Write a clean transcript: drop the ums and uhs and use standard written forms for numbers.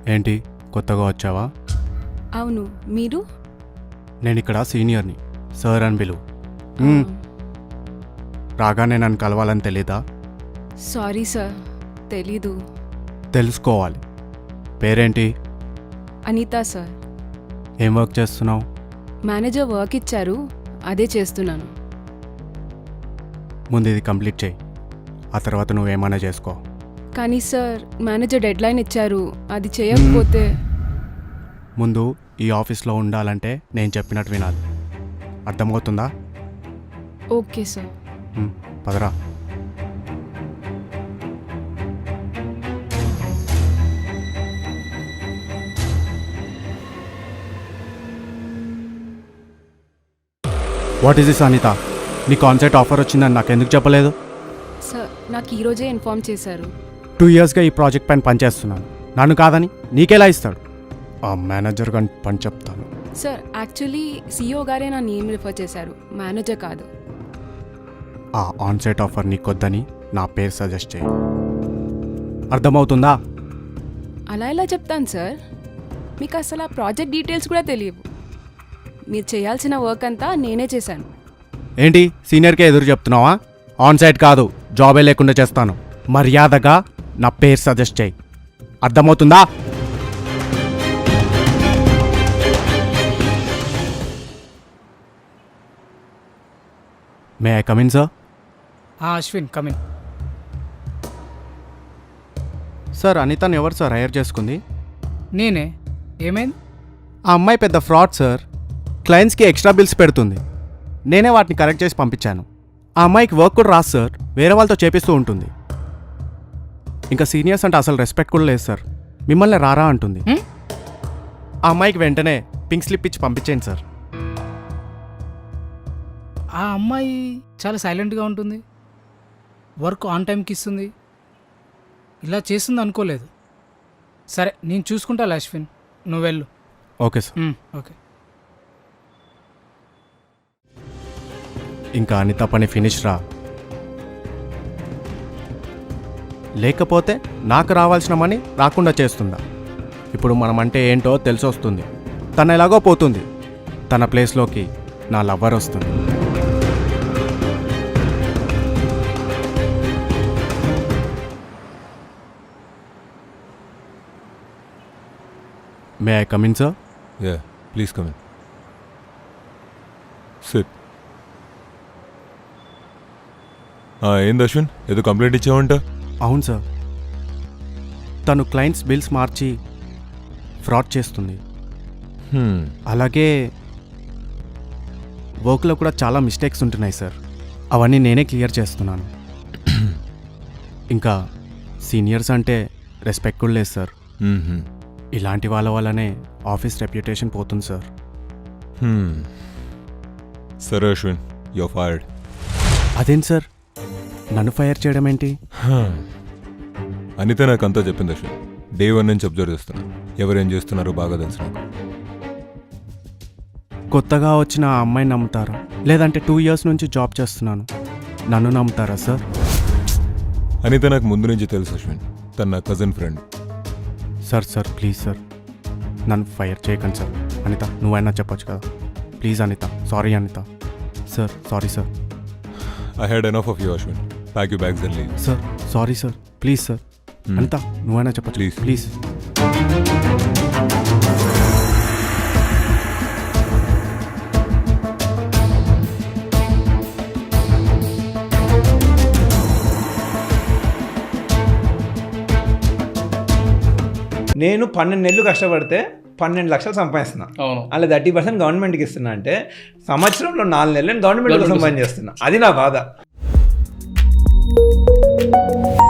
ఏంటి కొత్తగా వచ్చావా? అవును, మీరు? నేను ఇక్కడ సీనియర్ని, సార్ అని పిలువు. రాగానే నన్ను కలవాలని తెలీదా? సారీ సార్, తెలీదు. తెలుసుకోవాలి. పేరేంటి? అనిత సార్. ఏం వర్క్ చేస్తున్నావు? మేనేజర్ వర్క్ ఇచ్చారు, అదే చేస్తున్నాను. ముందు ఇది కంప్లీట్ చేయి, ఆ తర్వాత నువ్వేమైనా చేసుకో. కానీ సార్, మేనేజర్ డెడ్లైన్ ఇచ్చారు, అది చేయకపోతే. ముందు ఈ ఆఫీస్లో ఉండాలంటే నేను చెప్పినట్టు వినాలి, అర్థమవుతుందా? Okay sir. పదరా. What is this Anitha? నీ కాన్సెప్ట్ ఆఫర్ వచ్చిందని నాకు ఎందుకు చెప్పలేదు? సార్, నాకు ఈరోజే ఇన్ఫార్మ్ చేశారు. 2 yearsగా ఈ ప్రాజెక్ట్ పైన పనిచేస్తున్నాను. నన్ను కాదని నీకెలా ఇస్తాడు? ఆ మేనేజర్ గారిని పని చెప్తాను. సార్, యాక్చువల్లీ CEO గారే నా నేమ్ రిఫర్ చేశారు, మేనేజర్ కాదు. ఆ ఆన్సైట్ ఆఫర్ నీకొద్దని నా పేరు సజెస్ట్ చేయి, అర్థమవుతుందా? అలా ఎలా చెప్తాను సార్? మీకు అసలు ఆ ప్రాజెక్ట్ డీటెయిల్స్ కూడా తెలియవు. మీరు చేయాల్సిన వర్క్ అంతా నేనే చేశాను. ఏంటి సీనియర్కే ఎదురు చెప్తున్నావా? ఆన్సైట్ కాదు, జాబే లేకుండా చేస్తాను. మర్యాదగా నా పేరు సజెస్ట్ చేయి, అర్థమవుతుందా? May I come in sir? Ashwin, come in. Sir, అనితను ఎవరు సార్ హైర్ చేసుకుంది? నేనే. ఏమైంది? ఆ అమ్మాయి పెద్ద ఫ్రాడ్ సార్. క్లయింట్స్కి ఎక్స్ట్రా బిల్స్ పెడుతుంది. నేనే వాటిని కరెక్ట్ చేసి పంపించాను. ఆ అమ్మాయికి వర్క్ కూడా రాదు సార్, వేరే వాళ్ళతో చేపిస్తూ ఉంటుంది. ఇంకా సీనియర్స్ అంటే అసలు రెస్పెక్ట్ కూడా లేదు సార్. మిమ్మల్ని రారా అంటుంది. ఆ అమ్మాయికి వెంటనే పింక్ స్లిప్ ఇచ్చి పంపించేయండి సార్. ఆ అమ్మాయి చాలా సైలెంట్గా ఉంటుంది, వర్క్ ఆన్ టైంకి ఇస్తుంది. ఇలా చేస్తుంది అనుకోలేదు. సరే, నేను చూసుకుంటా అశ్విన్, నువ్వు వెళ్ళు. Okay sir. ఓకే. ఇంకా అనిత పని ఫినిష్ రా, లేకపోతే నాకు రావాల్సిన మనీ రాకుండా చేస్తుందా? ఇప్పుడు మనం అంటే ఏంటో తెలిసి వస్తుంది. తన ఎలాగో పోతుంది, తన ప్లేస్లోకి నా లవ్వర్ వస్తుంది. May I come in sir? Yeah, please come in. Sit. ఏంది అశ్విన్, ఏదో కంప్లైంట్ ఇచ్చావంట? అవును సార్, తను క్లయింట్స్ బిల్స్ మార్చి ఫ్రాడ్ చేస్తుంది. అలాగే వర్క్లో కూడా చాలా మిస్టేక్స్ ఉంటున్నాయి సార్, అవన్నీ నేనే క్లియర్ చేస్తున్నాను. ఇంకా సీనియర్స్ అంటే రెస్పెక్ట్ కూడా లేదు సార్. ఇలాంటి వాళ్ళ వల్లనే ఆఫీస్ రెప్యుటేషన్ పోతుంది సార్. సరే అశ్విన్, యూర్ ఫైర్డ్. అదేంటి సార్, నన్ను ఫైర్ చేయడం ఏంటి? అనిత నాకు అంతా చెప్పింది అశ్విన్. డే 1 నుంచి అబ్జర్వ్ చేస్తున్నా, ఎవరేం చేస్తున్నారో బాగా తెలుసు నాకు. కొత్తగా వచ్చిన ఆ అమ్మాయిని నమ్ముతారా, లేదంటే 2 years నుంచి జాబ్ చేస్తున్నాను నన్ను నమ్ముతారా సార్? అనిత నాకు ముందు నుంచి తెలుసు అశ్విన్, తన నా cousin friend. Sir please sir, నన్ను ఫైర్ చేయకండి సార్. అనిత, నువ్వైనా చెప్పొచ్చు కదా. Please Anitha, sorry Anitha. Sir sorry sir. I had enough of you, Ashwin. Pack your bags and leave. Sir sorry sir, please sir. Anitha, నువ్వైనా చెప్పొచ్చు ప్లీజ్. ప్లీజ్. నేను 12 నెలలు కష్టపడితే 12 లక్షలు సంపాదిస్తున్నా. అలా 30% గవర్నమెంట్కి ఇస్తున్నా అంటే సంవత్సరంలో 4 నెలలు నేను గవర్నమెంట్ కోసం పని చేస్తున్నా. అది నా బాధ.